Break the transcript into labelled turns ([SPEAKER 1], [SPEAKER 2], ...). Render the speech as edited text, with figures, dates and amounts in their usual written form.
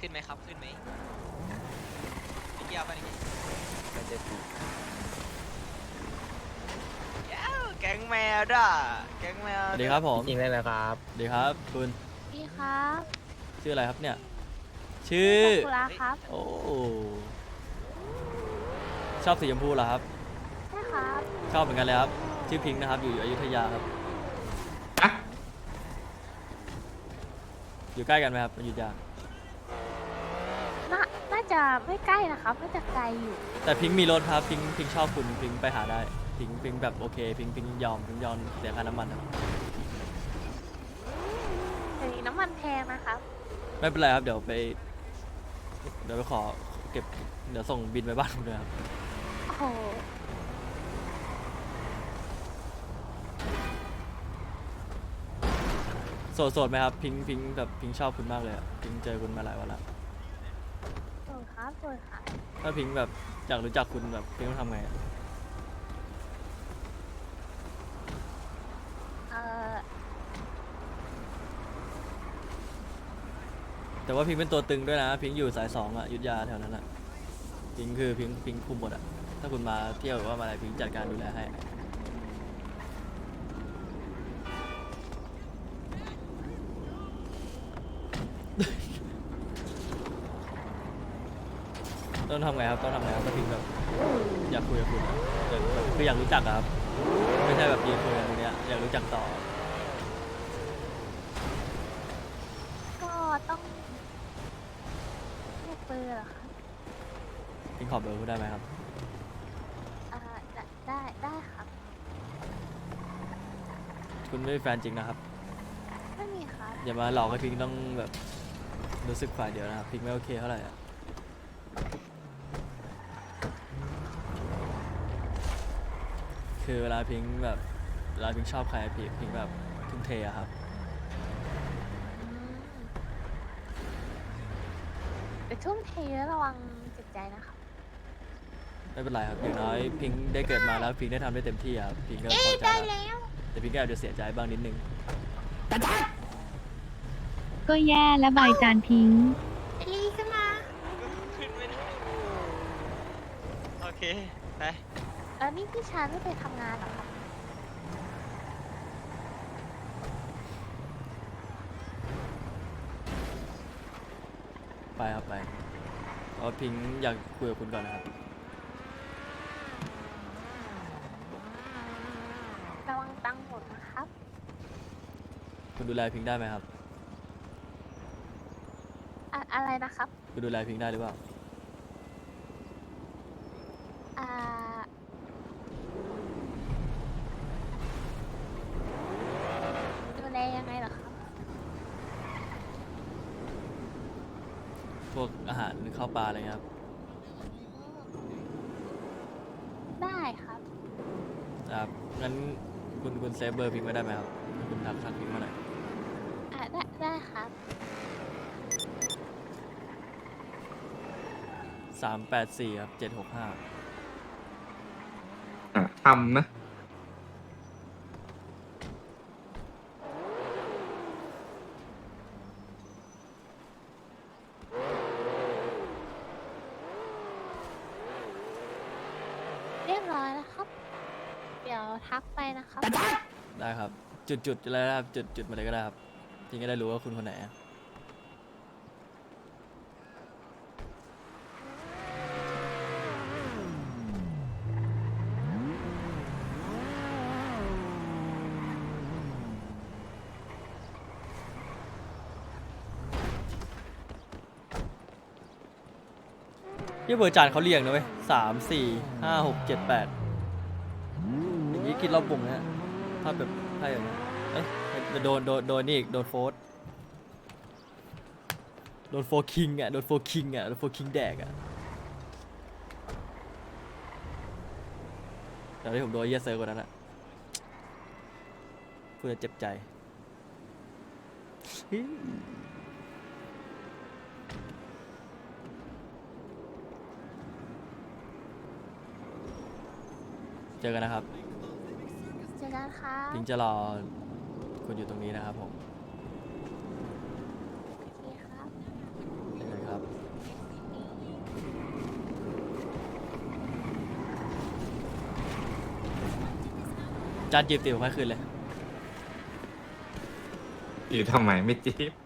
[SPEAKER 1] ขึ้นไหมครับขึ้นไหมพี่เกียวไปนี่ไม่ได้ปูแก๊งแมวด่ะแก๊งแมว
[SPEAKER 2] สวัสดีครับผม
[SPEAKER 3] จริงเลยนะครับ
[SPEAKER 2] สวัสดีครับคุณ
[SPEAKER 4] พี่ครับ
[SPEAKER 2] ชื่ออะไรครับเนี่ยชื่อ
[SPEAKER 4] ซากุระครับ
[SPEAKER 2] โอ้ชอบสีชมพูเหรอครับ
[SPEAKER 4] ใช่ครับ
[SPEAKER 2] ชอบเหมือนกันเลยครับชื่อพิงค์นะครับอยู่อยุธยาครับอยู่ใกล้กันไหมครับอยุธยา
[SPEAKER 4] น่าจะไม่ใกล้นะครับ น่าจะไกลอยู่
[SPEAKER 2] แต่พิงค์มีรถครับพิงค์ชอบคุณพิงค์ไปหาได้พิงค์แบบโอเคพิงค์ยอมเสียค่าน้ำมันครับ
[SPEAKER 4] แต่นี้น้ำมันแพงนะครับ
[SPEAKER 2] ไม่เป็นไรครับเดี๋ยวไปขอเก็บเดี๋ยวส่งบินไปบ้านคุณเลยครับ
[SPEAKER 4] โอ้โห
[SPEAKER 2] โสดไหมครับพิงค์แบบพิงค์ชอบคุณมากเลยอะพิงค์เจอคุณมาหลายวันแล้ว
[SPEAKER 4] สวยครับสวยครับ
[SPEAKER 2] ถ้าพิงค์แบบอยากรู้จักคุณแบบพิงค์ต้องทำไงอะ
[SPEAKER 4] เอ่อ
[SPEAKER 2] แต่ว่าพิงค์เป็นตัวตึงด้วยนะพิงค์อยู่สาย2อะอยุธยาแถวนั้นอะพิงค์คือพิงค์คุมหมดอะถ้าคุณมาเที่ยวหรือว่ามาอะไรพิงค์จัดการดูแลให้ต้องทำไงครับต้องทำไงครับถ้าพิงค์แบบอยากคุยกับคุณอะคืออยากรู้จักอะครับไม่ใช่แบบยืนคุยกันตรงเนี้ยอยากรู้จักต่อ
[SPEAKER 4] ก็ต้องเรียกเบอร์เหรอครับ
[SPEAKER 2] พิงค์ขอเบอร์คุณได้ไหมครับ
[SPEAKER 4] ได้ครับ
[SPEAKER 2] คุณไม่มีแฟนจริงนะครับ
[SPEAKER 4] ไม่มีครับ
[SPEAKER 2] อย่ามาหลอกให้พิงค์ต้องแบบรู้สึกฝ่ายเดียวนะครับพิงค์ไม่โอเคเท่าไหร่อะคือเวลาพิงค์ชอบใครพิงค์แบบทุ่มเทอะครับ
[SPEAKER 4] อืมแต่ทุ่มเทแล้วระวังจิตใจนะครับ
[SPEAKER 2] ไม่เป็นไรครับอย่างน้อยพิงค์ได้เกิดมาแล้วพิงค์ได้ทำได้เต็มที่อะครับพิงค์ก็พอใจแล้วแต่พิงค์ก็อาจจะเสียใจบ้างนิดนึง
[SPEAKER 5] ก็แย่และบายจานทิ้ง
[SPEAKER 4] ลีขึ้นมา
[SPEAKER 1] ขึ้นไม่ได้โอเคไป
[SPEAKER 4] แล้วนี่พี่ชายไม่ไปทำงานเหรอครับ
[SPEAKER 2] ไปครับไปเพราะว่าพิงค์อยากคุยกับคุณก่อนนะครับ
[SPEAKER 4] ระวังตังค์หมดนะครับ
[SPEAKER 2] คุณดูแลพิงค์ได้ไหมครับ
[SPEAKER 4] อะไรนะครับ
[SPEAKER 2] คุณดูแลพิงค์ได้หรือเปล่า
[SPEAKER 4] อ่า ดูแลยังไงเหรอครับ
[SPEAKER 2] พวกอาหารข้าวปลาอะไรเงี้ยครับ
[SPEAKER 4] ได้ครับ
[SPEAKER 2] ครับงั้นคุณเซฟเบอร์พิงค์ไว้ได้ไหมครับคุณทักพิงค์มาหน่อย
[SPEAKER 4] ได้ครับ
[SPEAKER 2] 384ครับ765
[SPEAKER 3] ทำนะ
[SPEAKER 4] เรียบร้อยแล้วครับ เดี๋ยวทักไปนะครับ
[SPEAKER 2] ได้ครับจุดอะไรนะครับจุดมาเลยก็ได้ครับพิงค์ก็ได้รู้ว่าคุณคนไหนอะที่เบอร์จานเขาเรียงนะเว้ย3 4 5 6 7 8อย่างนี้คิดรอบวงนะถ้าแบบถ้าอย่างนี้เอ้ยโดนนี่อีกโดนโฟร์คิงอ่ะโดนโฟร์คิงแดกอ่ะแต่ที่ผมโดนเยสเซอร์กว่านั้นอ่ะพูดแล้วเจ็บใจเจอกันนะครับ
[SPEAKER 4] เจอกันครับ
[SPEAKER 2] พิงจะรอคุณอยู่ตรงนี้นะครับผม
[SPEAKER 4] โอเคครับ
[SPEAKER 2] เจอกันครับจานจีบติวให้คืนเลย
[SPEAKER 3] อยู่ทำไมไม่จีบ